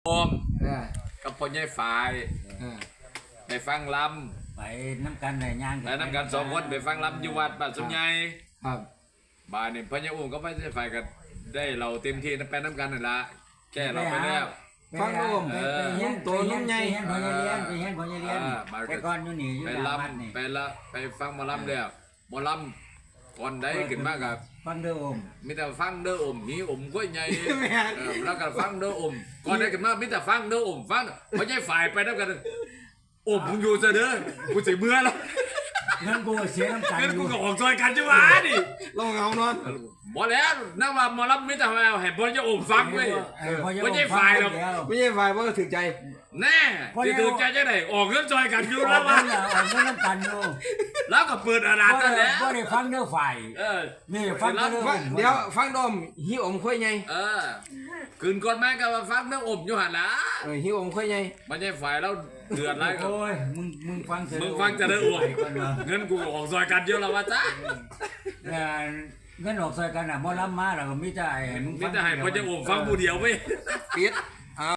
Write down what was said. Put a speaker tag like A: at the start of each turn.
A: โอมกับพ่อใหญ่ฝ่ายไปฟังลำ
B: ไปน้ำกันไหนย่าง
A: ไปน้ำกัน2 คนไปฟังลำอยู่วัดบ้านสมใหญ่
C: ครับ
A: บ้านนี่พ่อใหญ่อุ้มก็ไม่ใช่ฝ่ายกันได้เราเต็มที่ไปน้ำกันนั่นละแก้เราไปแล้ว
C: ฟังร่วม
B: ตัวนุ่มใหญ่ไปเฮียนพ่อใหญ่เรียนไปก่อนอยู่นี่อยู่
A: ไป
B: หลังวัดนี่
A: ไปฟังหมอลำแล้วหมอลำก่อนได้ขึ้นมากับ
B: ฟังเด้ออม
A: มีแต่ฟังเด้ออมหีอมก็ใหญ่แล้วก็ฟังเด้ออมก่อนได้ขึ้นมามีแต่ฟังเด้ออมฟังพ่อใหญ่ฝ่ายไปน้ำกันอมมึงอยู่ซะเด้อกูสิเมื่อแล้ว
B: เงินกูเสียน้ำกัน
A: เงินกูก็ออกซอยกันจังหวะดิ
C: ลองเอานอน
A: บ่แล้วนักว่าหมอลำไม่แต่ว่าให้พ่อใหญ่อมฟังเว้ยพ่อใหญ่ฝ่ายหรอก
C: ไม่ใช่ฝ่ายว่าถึงใจ
A: แน่ที่ถือใจจะได้ออกเงินซอยกันอยู่แล้ววะ
B: ออกเงินน้ำกันอยู่
A: แล้วก็เปิดอาณาจักรแล้ว
B: ก็ได้ฟังเด้อฝ่ายนี่ฟังเด้อ
C: เดี๋ยวฟังดมหิวอมค่อยไง
A: คืนก่อนแม่ก็มาฟังเรื่องอมอยู่หันละ
C: หิวอมค่อยไง
A: ไม่ใช่ฝ่ายแล้วเดือดไรก็
B: โอ้ยมึงฟัง
A: จะได้อวดเงินกูออกซอยกันเยอะแล้ววะจ้า
B: เงินออกซอยกันอ่ะมอลำมาแล้วก็มิแต่
A: ให้พ่อจะอมฟังผู้เดียวไป
C: ปิด